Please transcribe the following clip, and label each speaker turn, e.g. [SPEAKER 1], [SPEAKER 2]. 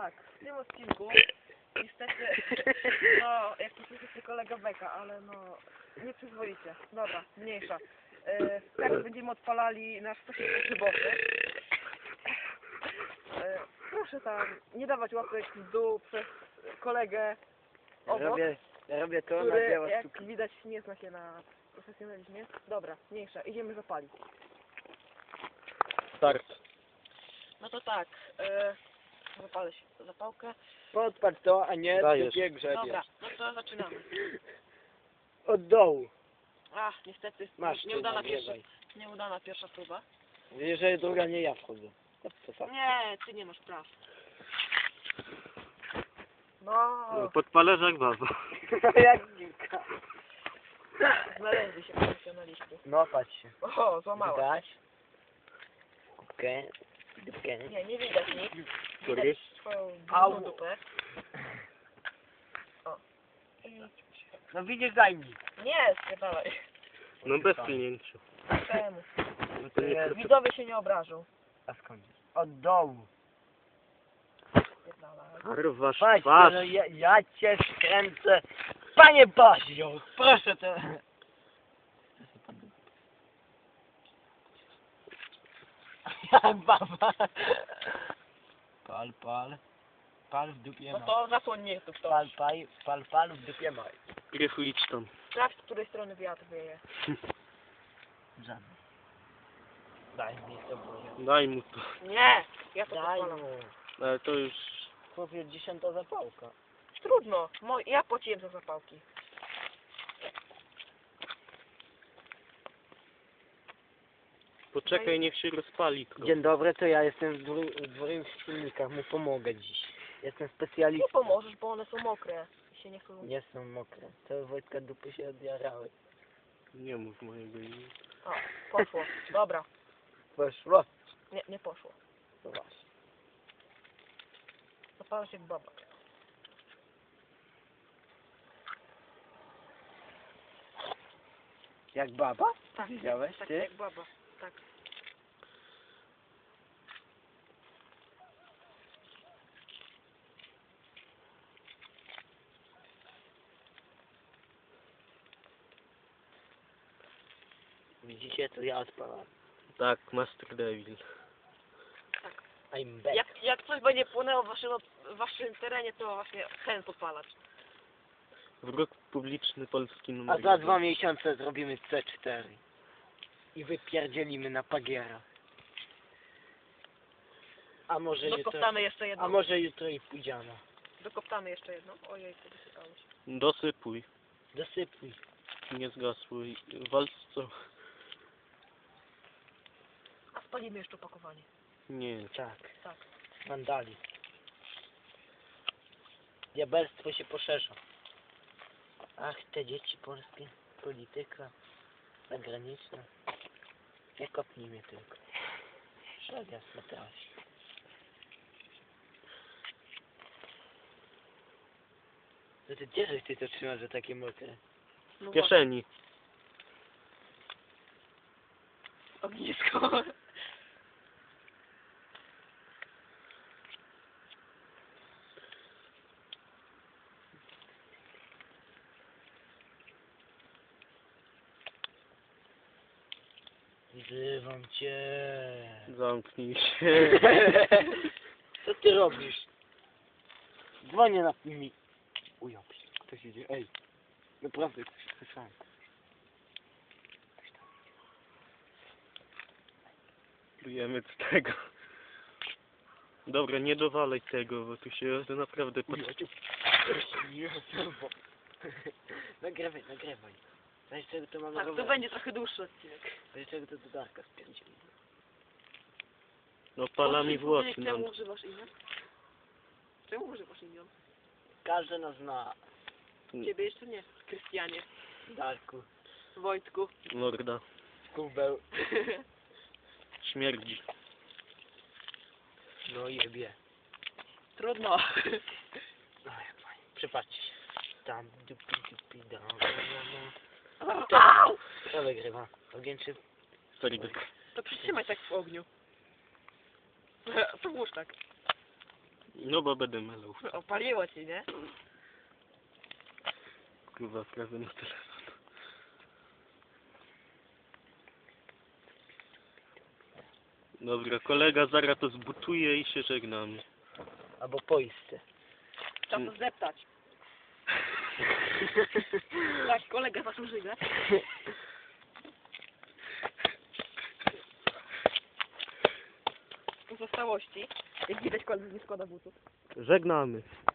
[SPEAKER 1] tak, w tym odcinku niestety, no, jak to słyszycie kolega Beka, ale no, nie przyzwolicie. Dobra, mniejsza. Teraz będziemy odpalali nasz stosunek grzybowy. Proszę tam nie dawać łapek w dół przez kolegę obok,
[SPEAKER 2] Ja robię to na
[SPEAKER 1] który,
[SPEAKER 2] dzieło
[SPEAKER 1] jak
[SPEAKER 2] sztuki.
[SPEAKER 1] widać, nie zna się na profesjonalizmie. Dobra, mniejsza, idziemy zapalić.
[SPEAKER 3] Start.
[SPEAKER 1] No to tak, zapalę się zapałkę.
[SPEAKER 2] Podpatrz to, a nie
[SPEAKER 3] Dajesz.
[SPEAKER 2] dupie grzebiesz.
[SPEAKER 1] Dobra, no to zaczynamy.
[SPEAKER 2] Od dołu.
[SPEAKER 1] Ach, niestety,
[SPEAKER 2] Masz
[SPEAKER 1] nieudana pierwsza próba.
[SPEAKER 2] Jeżeli druga nie ja wchodzę. To co?
[SPEAKER 1] Nie, ty nie masz praw. No,
[SPEAKER 3] Podpalasz jak baba.
[SPEAKER 2] Jak dziwka.
[SPEAKER 1] znaleźli się profesjonaliści.
[SPEAKER 2] No patrz się.
[SPEAKER 1] O, złamała.
[SPEAKER 2] Widać? Kubkę. Dupkę.
[SPEAKER 1] Nie widać nic.
[SPEAKER 3] Który?
[SPEAKER 1] Widać twoją
[SPEAKER 2] Au.
[SPEAKER 1] dużą dupę. O.
[SPEAKER 2] No widzisz, daj mi.
[SPEAKER 1] Nie, spierdalaj.
[SPEAKER 3] No bez klinięcia.
[SPEAKER 1] Czemu?
[SPEAKER 2] No to jest...
[SPEAKER 1] Widzowie się nie obrażą.
[SPEAKER 2] A skąd? Od dołu.
[SPEAKER 1] Spierdalaj.
[SPEAKER 3] Rwasz
[SPEAKER 2] Patrz,
[SPEAKER 3] twarz.
[SPEAKER 2] no ja cię skręcę. Panie Bazio, proszę to. Jak baba. Pal, pal. Pal w dupie
[SPEAKER 1] No
[SPEAKER 2] maj.
[SPEAKER 1] to zasłoń mnie tu ktoś.
[SPEAKER 2] Pal w dupie maj.
[SPEAKER 3] Gryfu idź tam.
[SPEAKER 1] Sprawdź, z której strony wiatr wieje.
[SPEAKER 2] Żadny. Daj mi to, Boże.
[SPEAKER 3] Daj mu to.
[SPEAKER 1] Nie, ja to
[SPEAKER 2] Daj
[SPEAKER 1] podpalam.
[SPEAKER 2] mu.
[SPEAKER 3] Ale to już...
[SPEAKER 2] Chłopie, 10 zapałka.
[SPEAKER 1] Trudno, ja płaciłem za zapałki.
[SPEAKER 3] Poczekaj, niech się rozpali.
[SPEAKER 2] Dzień dobry, to ja jestem w dwóch silnikach, mu pomogę dziś. Jestem
[SPEAKER 1] Nie
[SPEAKER 2] specjalistą.
[SPEAKER 1] pomożesz, bo one są mokre. I się nie chcą...
[SPEAKER 2] Nie są mokre. To Wojtka dupy się odjarały.
[SPEAKER 3] Nie mów mojego imienia.
[SPEAKER 1] O, poszło. Dobra.
[SPEAKER 2] Poszło?
[SPEAKER 1] Nie poszło.
[SPEAKER 2] No właśnie.
[SPEAKER 1] Zapala się jak baba.
[SPEAKER 2] Jak baba?
[SPEAKER 1] Tak,
[SPEAKER 2] Widziałeś
[SPEAKER 1] tak
[SPEAKER 2] ty?
[SPEAKER 1] jak baba. Tak.
[SPEAKER 2] Widzicie, to ja odpalam.
[SPEAKER 3] Tak, Master Devil.
[SPEAKER 2] I'm back.
[SPEAKER 1] Jak coś będzie płynęło w waszym terenie, to właśnie ten podpalacz.
[SPEAKER 3] Wróg publiczny polski numer
[SPEAKER 2] A za 2
[SPEAKER 3] jeden.
[SPEAKER 2] miesiące zrobimy C4. I wypierdzielimy na Pagiera. A może jutro...
[SPEAKER 1] Dokoptamy jeszcze jedną.
[SPEAKER 2] A może jutro i pójdziemy.
[SPEAKER 1] Dokoptamy jeszcze jedną. Ojej, to wysypało się.
[SPEAKER 3] Dosypuj.
[SPEAKER 2] Dosypuj.
[SPEAKER 3] Nie zgasło. Walcz co?
[SPEAKER 1] A spalimy jeszcze opakowanie.
[SPEAKER 3] Nie.
[SPEAKER 2] Tak.
[SPEAKER 1] Tak.
[SPEAKER 2] Wandali. Diabelstwo się poszerza. Ach, te dzieci polskie. Polityka. Zagraniczna. Nie kopnij mnie tylko. Szedł jasno trafi. To ty gdzie żeś ty to trzymasz, że takie mokre?
[SPEAKER 1] No
[SPEAKER 3] W kieszeni.
[SPEAKER 1] właśnie, ognisko.
[SPEAKER 2] Wzywam cię.
[SPEAKER 3] Zamknij się.
[SPEAKER 2] Co ty robisz? Dzwonię na mi. Ujął się. Ktoś idzie. Ej. Naprawdę ktoś słyszałem.
[SPEAKER 3] Plujemy z tego. Dobra, nie dowalaj tego, bo tu się naprawdę...
[SPEAKER 2] Nagrywaj, nagrywaj. Weź czego to mamy
[SPEAKER 1] Tak, to
[SPEAKER 2] rower.
[SPEAKER 1] będzie trochę dłuższy odcinek.
[SPEAKER 2] Weź czego to do Darka spierdzieli.
[SPEAKER 3] No pala mi włosy
[SPEAKER 1] Powiedz,
[SPEAKER 3] nam.
[SPEAKER 1] Czemu używasz imion? Czemu używasz imion?
[SPEAKER 2] Każdy nas zna.
[SPEAKER 1] Ciebie jeszcze nie. Krystianie.
[SPEAKER 2] Darku.
[SPEAKER 1] Wojtku.
[SPEAKER 3] Morda.
[SPEAKER 2] Kubeł.
[SPEAKER 3] Śmierdzi.
[SPEAKER 2] No jebie.
[SPEAKER 1] Trudno.
[SPEAKER 2] No jak fajnie. Przypatrzcie się. Tam dupi dam.
[SPEAKER 1] Au!
[SPEAKER 2] Kto wygrywa? Ogień czy...
[SPEAKER 3] Ferdek.
[SPEAKER 1] To przytrzymaj tak w ogniu. To włóż tak.
[SPEAKER 3] No bo będę melał.
[SPEAKER 1] Opaliło ci, nie?
[SPEAKER 3] Kurwa, prawie na telefon. Dobra, kolega zaraz to zbutuje i się żegnamy.
[SPEAKER 2] Albo poiste.
[SPEAKER 1] Trzeba to zdeptać. Tak, kolega zaczął żygać. Pozostałości. Jak widać, koledzy nie składa butów.
[SPEAKER 3] Żegnamy.